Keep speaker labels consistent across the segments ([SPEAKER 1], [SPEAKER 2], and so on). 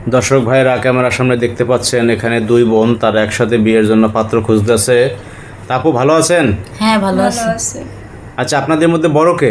[SPEAKER 1] দর্শক ভাইরা ক্যামেরার সামনে দেখতে পাচ্ছেন এখানে দুই বোন তারা একসাথে বিয়ের জন্য পাত্র খুঁজতেছে। তা আপু ভালো আছেন?
[SPEAKER 2] হ্যাঁ ভালো
[SPEAKER 3] ভালো
[SPEAKER 2] আছি।
[SPEAKER 3] আছে।
[SPEAKER 1] আচ্ছা, আপনাদের মধ্যে বড় কে?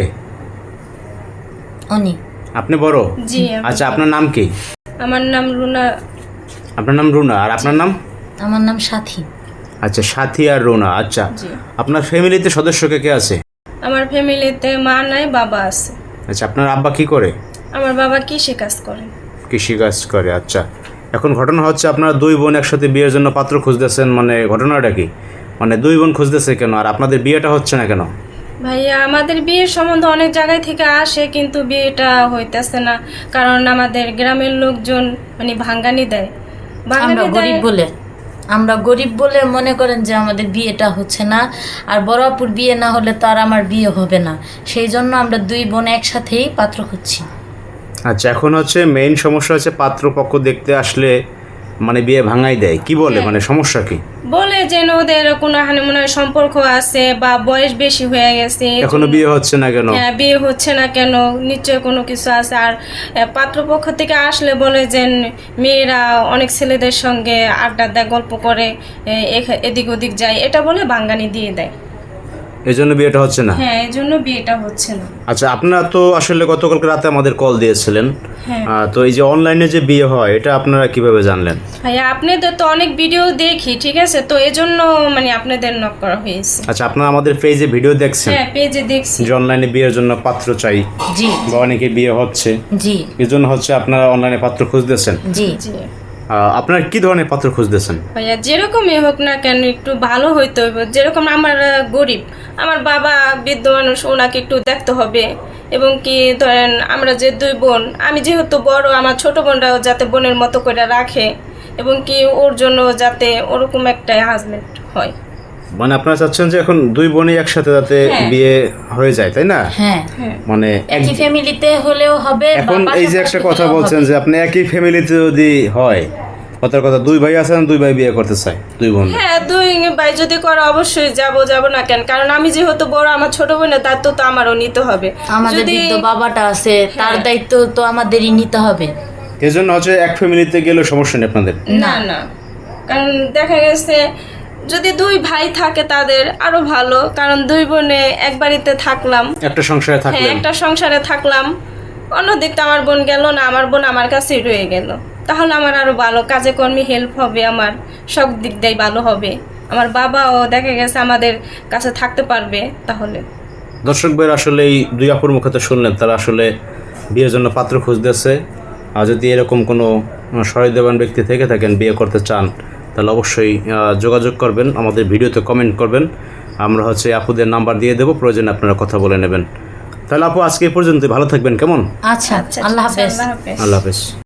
[SPEAKER 2] উনি
[SPEAKER 1] আপনি বড়?
[SPEAKER 3] জি
[SPEAKER 1] আচ্ছা, আপনার নাম কি?
[SPEAKER 3] আমার নাম রুনা।
[SPEAKER 1] আপনার নাম রুনা। আর আপনার নাম?
[SPEAKER 2] আমার নাম সাথী।
[SPEAKER 1] আচ্ছা, সাথী আর রুনা। আচ্ছা,
[SPEAKER 3] জি
[SPEAKER 1] আপনার ফ্যামিলিতে সদস্য কে কে আছে?
[SPEAKER 3] আমার ফ্যামিলিতে মা নাই, বাবা আছে।
[SPEAKER 1] আচ্ছা, আপনার আব্বা কি করে?
[SPEAKER 3] আমার বাবা কৃষি কাজ করে।
[SPEAKER 1] কৃষিকাজ করে। আচ্ছা, এখন ঘটনা হচ্ছে আপনারা দুই বোন একসাথে বিয়ের জন্য পাত্র খুঁজতেছেন, মানে ঘটনাটা কি? মানে দুই বোন খুঁজতেছে কেন আর আপনাদের বিয়েটা হচ্ছে না কেন?
[SPEAKER 3] ভাইয়া আমাদের বিয়ের সম্বন্ধ অনেক জায়গায় থেকে আসে, কিন্তু বিয়েটা হইতেছে না। কারণ আমাদের গ্রামের লোকজন মানে ভাঙ্গানি দেয়।
[SPEAKER 2] আমরা গরিব বলে মনে করেন যে আমাদের বিয়েটা হচ্ছে না। আর বড় আপুর বিয়ে না হলে তো আর আমার বিয়ে হবে না, সেই জন্য আমরা দুই বোন একসাথেই পাত্র খুঁজছি।
[SPEAKER 1] আচ্ছা, এখন হচ্ছে মেইন সমস্যা হচ্ছে পাত্রপক্ষ দেখতে আসলে মানে বিয়ে ভাঙাই দেয়। কি বলে, মানে সমস্যা কি?
[SPEAKER 3] বলে যে ওদের কোনো হানিমুনের সম্পর্ক আছে বা বয়স বেশি হয়ে গেছে,
[SPEAKER 1] এখনো বিয়ে হচ্ছে না কেন?
[SPEAKER 3] হ্যাঁ বিয়ে হচ্ছে না কেন, নিশ্চয় কোনো কিছু আছে। আর পাত্রপক্ষ থেকে আসলে বলে যে মেয়েরা অনেক ছেলেদের সঙ্গে আড্ডা দেয়, গল্প করে, এদিক ওদিক যায়, এটা বলে ভাঙ্গানি দিয়ে দেয়।
[SPEAKER 1] এই জন্য বিয়েটা হচ্ছে না?
[SPEAKER 3] হ্যাঁ, এই জন্য বিয়েটা হচ্ছে না।
[SPEAKER 1] আচ্ছা, আপনারা তো আসলে গতকালকে রাতে আমাদের কল দিয়েছিলেন।
[SPEAKER 3] হ্যাঁ
[SPEAKER 1] তো এই যে অনলাইনে যে বিয়ে হয় এটা আপনারা কিভাবে জানলেন?
[SPEAKER 3] ভাইয়া আপনাদের তো অনেক ভিডিও দেখি, ঠিক আছে, তো এজন্য মানে আপনাদের নক করা হয়েছে।
[SPEAKER 1] আচ্ছা, আপনারা আমাদের পেজে ভিডিও দেখছেন
[SPEAKER 3] হ্যাঁ পেজে দেখছি।
[SPEAKER 1] যে অনলাইনে বিয়ের জন্য পাত্র চাই
[SPEAKER 2] জি
[SPEAKER 1] বা অনেকে বিয়ে হচ্ছে,
[SPEAKER 2] জি
[SPEAKER 1] এই জন্য হচ্ছে আপনারা অনলাইনে পাত্র খুঁজতেছেন।
[SPEAKER 2] জি
[SPEAKER 3] জি
[SPEAKER 1] আপনারা কি ধরনের পাত্র খুঁজতেছেন?
[SPEAKER 3] ভাইয়া যেরকমই হোক না কেন একটু ভালো হইতে হবে। যেরকম আমার গরিব, আমার বাবা বৃদ্ধ মানুষ, ওনাকে একটু দেখতে হবে। এবং কি ধরেন আমরা যে দুই বোন, আমি যেহেতু বড়, আমার ছোট বোনরাও যাতে বোনের মতো করে রাখে, এবং কি ওর জন্য যাতে ওরকম একটা হাজবেন্ড হয়।
[SPEAKER 1] মানে আপনারা চাচ্ছেন যে এখন দুই বোনই একসাথে যাতে
[SPEAKER 3] হ্যাঁ।
[SPEAKER 1] বিয়ে হয়ে যায়, তাই না?
[SPEAKER 2] হ্যাঁ,
[SPEAKER 3] হ্যাঁ
[SPEAKER 1] মানে
[SPEAKER 2] একই ফ্যামিলিতে হলেও হবে বা
[SPEAKER 1] এখন এই যে একটা
[SPEAKER 2] পাশাপাশি
[SPEAKER 1] কথা
[SPEAKER 2] হলেও
[SPEAKER 1] বলছেন
[SPEAKER 2] হবে।
[SPEAKER 1] যে আপনি একই ফ্যামিলিতে যদি হয়, কথার কথা দুই ভাই আছেন, দুই ভাই বিয়ে করতে চায়, দুই বোন।
[SPEAKER 3] হ্যাঁ দুই ভাই যদি করে অবশ্যই যাব না কেন, কারণ আমি যেহেতু বড়, আমার ছোট বোনের দায়িত্ব তো আমারও নিতে হবে।
[SPEAKER 2] আমাদের
[SPEAKER 3] যদি
[SPEAKER 2] বৃদ্ধ বাবাটা আছে, তার
[SPEAKER 3] হ্যাঁ।
[SPEAKER 2] দায়িত্ব তো আমাদেরই নিতে হবে।
[SPEAKER 1] এই জন্য হচ্ছে এক ফ্যামিলিতে গেলে সমস্যা নেই আপনাদের।
[SPEAKER 3] না না, কারণ দেখা গেছে যদি দুই ভাই থাকে তাদের আরো ভালো, কারণ দুই বোনে এক বাড়িতে থাকলাম,
[SPEAKER 1] একটা সংসারে
[SPEAKER 3] হ্যাঁ
[SPEAKER 1] থাকলেন।
[SPEAKER 3] একটা সংসারে থাকলাম, অন্যদিকটা আমার বোন গেল না, আমার বোন আমার কাছেই রয়ে গেল, তাহলে আমার আরো ভালো, কাজে কর্মে হেল্প হবে, আমার সব দিক দিয়ে ভালো হবে, আমার বাবাও দেখা গেছে আমাদের কাছে থাকতে পারবে। তাহলে
[SPEAKER 1] দর্শক ভাইয়ের আসলে এই দুই আপুর মুখে তো শুনলেন তারা আসলে বিয়ের জন্য পাত্র খুঁজতেছে। আর যদি এরকম কোনো সহৃদয়বান ব্যক্তি থেকে থাকেন, বিয়ে করতে চান, তাহলে অবশ্যই যোগাযোগ করবেন, আমাদের ভিডিওতে কমেন্ট করবেন। আমরা হচ্ছে আপুদের নাম্বার দিয়ে দেবো, প্রয়োজনে আপনারা কথা বলে নেবেন। তাহলে আপু আজকে এই পর্যন্ত, ভালো থাকবেন, কেমন?
[SPEAKER 2] আচ্ছা,
[SPEAKER 3] আচ্ছা
[SPEAKER 2] আল্লাহ
[SPEAKER 3] ঠিক আছে,
[SPEAKER 2] হাফেজ।
[SPEAKER 3] আল্লাহ হাফেজ।
[SPEAKER 1] আল্লাহ হাফেজ।